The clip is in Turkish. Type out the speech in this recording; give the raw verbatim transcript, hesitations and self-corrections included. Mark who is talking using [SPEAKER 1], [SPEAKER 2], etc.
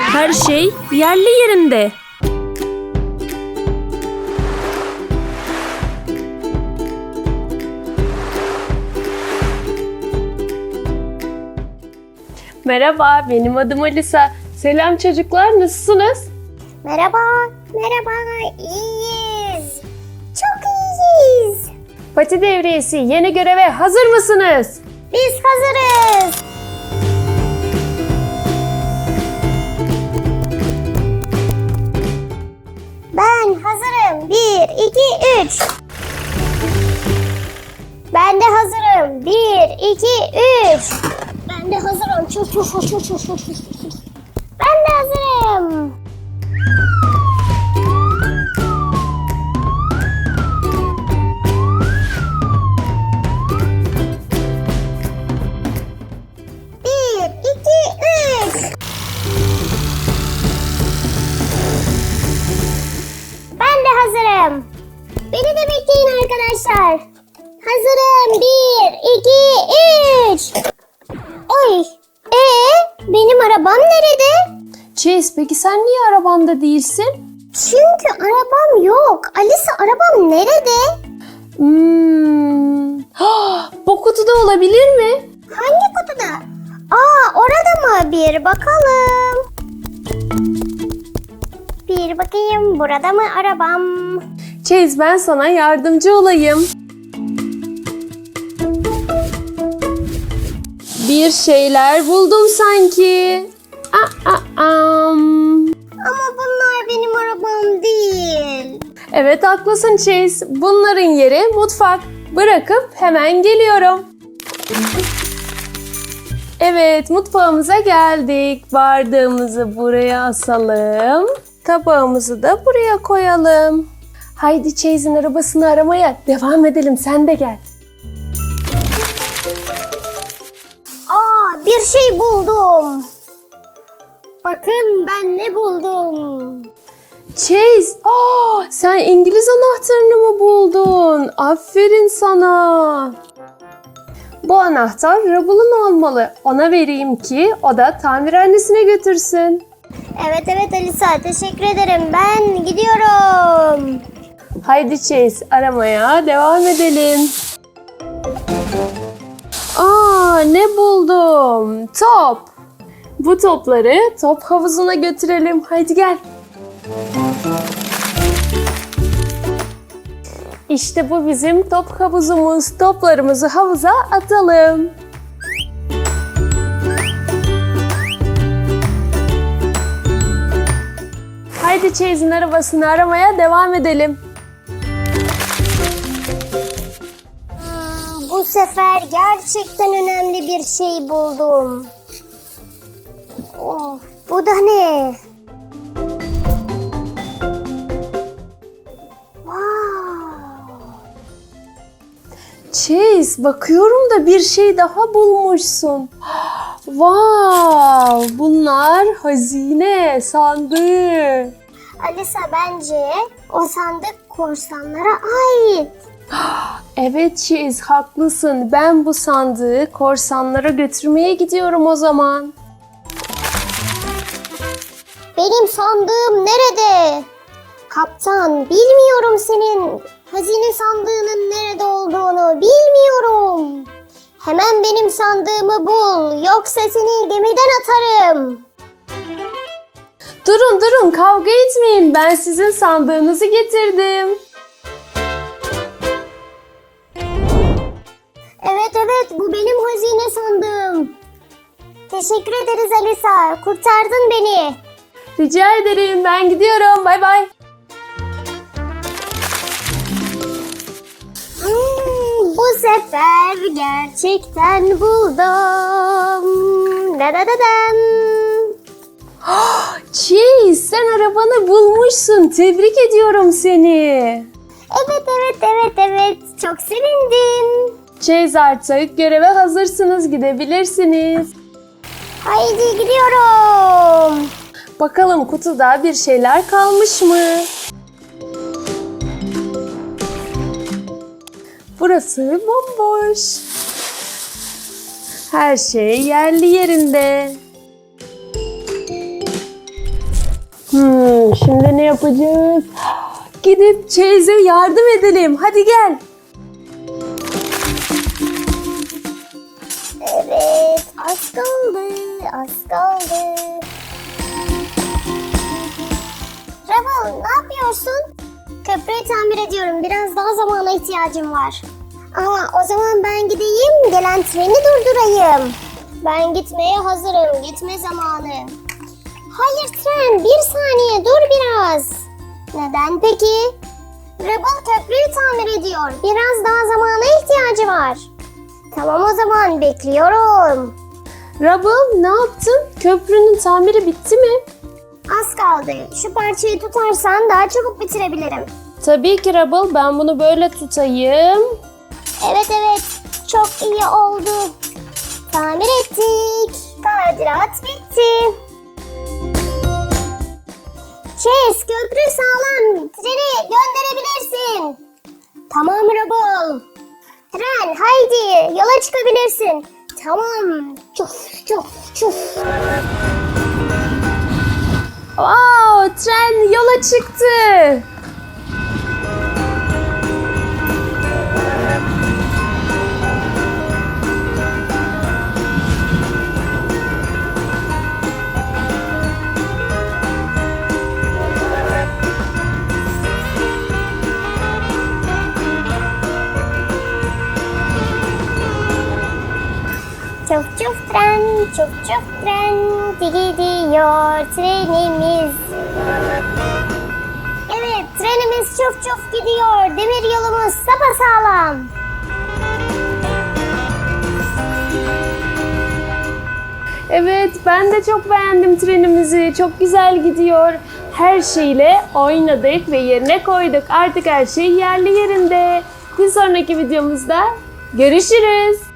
[SPEAKER 1] Her şey yerli yerinde. Merhaba, benim adım Alisa. Selam çocuklar, nasılsınız?
[SPEAKER 2] Merhaba, merhaba, iyiyiz. Çok iyiyiz.
[SPEAKER 1] Pati Devriyesi yeni göreve hazır mısınız?
[SPEAKER 2] Biz hazırız. Ben hazırım. Bir, iki, üç. Ben de hazırım. Bir, iki, üç. Ben de hazırım. Çuf çuf çuf çuf çuf çuf çuf. Ben de hazırım. Bir, iki, üç. Ben de hazırım. Beni de bekleyin arkadaşlar. Hazırım. Bir, iki, üç. Oy. Ee, benim arabam nerede?
[SPEAKER 1] Chase, peki sen niye arabanda değilsin?
[SPEAKER 2] Çünkü arabam yok. Alisa, arabam nerede?
[SPEAKER 1] Hmm. Bu kutuda olabilir mi?
[SPEAKER 2] Hangi kutuda? Aa, orada mı? Bir bakalım. Bir bakayım. Burada mı arabam?
[SPEAKER 1] Chase, ben sana yardımcı olayım. Bir şeyler buldum sanki. Aa, aa, am.
[SPEAKER 2] Ama bunlar benim arabam değil.
[SPEAKER 1] Evet, haklısın Chase. Bunların yeri mutfak. Bırakıp hemen geliyorum. Evet, mutfağımıza geldik. Bardağımızı buraya asalım. Tabağımızı da buraya koyalım. Haydi Chase'in arabasını aramaya devam edelim. Sen de gel.
[SPEAKER 2] Aa, bir şey buldum. Bakın ben ne buldum.
[SPEAKER 1] Chase, aa, sen İngiliz anahtarını mı buldun? Aferin sana. Bu anahtar Rubble'ın olmalı. Ona vereyim ki o da tamirhanesine götürsün.
[SPEAKER 2] Evet evet Alisa, teşekkür ederim. Ben gidiyorum.
[SPEAKER 1] Haydi Chase, aramaya devam edelim. Aa, ne buldum? Top. Bu topları top havuzuna götürelim. Haydi gel. İşte bu bizim top havuzumuz. Toplarımızı havuza atalım. Haydi Chase'in arabasını aramaya devam edelim.
[SPEAKER 2] Bu sefer gerçekten önemli bir şey buldum. Oh, bu da ne? Wow.
[SPEAKER 1] Chase, bakıyorum da bir şey daha bulmuşsun. Wow, bunlar hazine sandığı.
[SPEAKER 2] Alisa, bence o sandık korsanlara ait.
[SPEAKER 1] Evet Chase, haklısın. Ben bu sandığı korsanlara götürmeye gidiyorum o zaman.
[SPEAKER 2] Benim sandığım nerede? Kaptan, bilmiyorum senin hazine sandığının nerede olduğunu. Bilmiyorum. Hemen benim sandığımı bul. Yoksa seni gemiden atarım.
[SPEAKER 1] Durun durun, kavga etmeyin. Ben sizin sandığınızı getirdim.
[SPEAKER 2] Evet evet, bu benim hazine sandığım. Teşekkür ederiz Alisa. Kurtardın beni.
[SPEAKER 1] Rica ederim. Ben gidiyorum. Bay bay.
[SPEAKER 2] Hmm, bu sefer gerçekten buldum. Da da da dam.
[SPEAKER 1] Chase, sen arabanı bulmuşsun. Tebrik ediyorum seni.
[SPEAKER 2] Evet evet evet evet. Çok sevindim.
[SPEAKER 1] Chase, artık göreve hazırsınız. Gidebilirsiniz.
[SPEAKER 2] Haydi gidiyorum.
[SPEAKER 1] Bakalım kutuda bir şeyler kalmış mı? Burası bomboş. Her şey yerli yerinde. Tren, şimdi ne yapacağız? Gidip Chase'e yardım edelim. Hadi gel.
[SPEAKER 2] Evet, az kaldı, az kaldı. Rebel, ne yapıyorsun? Köprüyü tamir ediyorum. Biraz daha zamana ihtiyacım var. Ama o zaman ben gideyim, gelen treni durdurayım. Ben gitmeye hazırım. Gitme zamanı. Hayır tren, bir saniye dur biraz. Neden peki? Rebel köprüyü tamir ediyor. Biraz daha zamana ihtiyacı var. Tamam o zaman bekliyorum.
[SPEAKER 1] Rubble, ne yaptın? Köprünün tamiri bitti mi?
[SPEAKER 2] Az kaldı. Şu parçayı tutarsan daha çabuk bitirebilirim.
[SPEAKER 1] Tabii ki Rubble, ben bunu böyle tutayım.
[SPEAKER 2] Evet evet. Çok iyi oldu. Tamir ettik. Tadilat bitti. Chase, köprü sağlam. Treni gönderebilirsin. Tamam Rebel. Tren haydi yola çıkabilirsin. Tamam. Çuf çuf çuf.
[SPEAKER 1] Wow, tren yola çıktı.
[SPEAKER 2] Çuf çuf tren, çuf çuf tren, gidiyor trenimiz. Evet, trenimiz çuf çuf gidiyor. Demir yolumuz sapasağlam.
[SPEAKER 1] Evet, ben de çok beğendim trenimizi. Çok güzel gidiyor. Her şeyle oynadık ve yerine koyduk. Artık her şey yerli yerinde. Bir sonraki videomuzda görüşürüz.